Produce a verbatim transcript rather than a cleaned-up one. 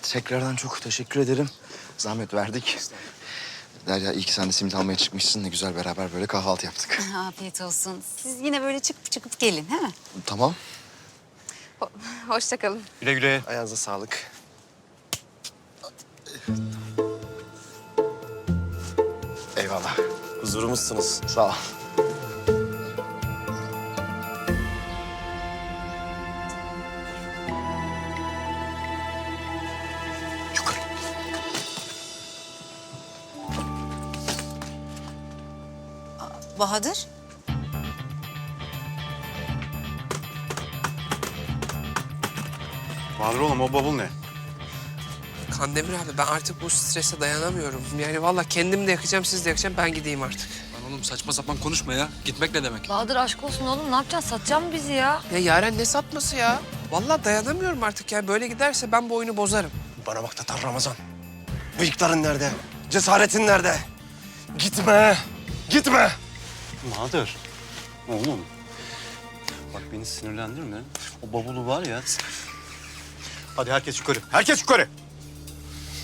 tekrardan çok teşekkür ederim. Zahmet verdik. Derya iyi ki sen de simit almaya çıkmışsın. Ne güzel beraber böyle kahvaltı yaptık. Afiyet olsun. Siz yine böyle çıkıp çıkıp gelin, he mi? Tamam. Ho hoşça kalın. Güle güle. Ayağınıza sağlık. Eyvallah. Huzurumuzsunuz. Sağ ol. Yukarı. Bahadır. Bahadır oğlum o bavul ne? Kandemir abi ben artık bu strese dayanamıyorum. Yani vallahi kendim de yakacağım, siz de yakacağım. Ben gideyim artık. Lan oğlum saçma sapan konuşma ya. Gitmek ne demek? Bahadır aşk olsun oğlum, ne yapacaksın? Satacak mı bizi ya? Ya Yaren ne satması ya? Vallahi dayanamıyorum artık ya. Böyle giderse ben bu oyunu bozarım. Bana bak Tatar Ramazan. Bıyıkların nerede? Cesaretin nerede? Gitme! Gitme! Bahadır, oğlum. Bak beni sinirlendirme. O bavulu var ya. Hadi herkes yukarı. Herkes yukarı.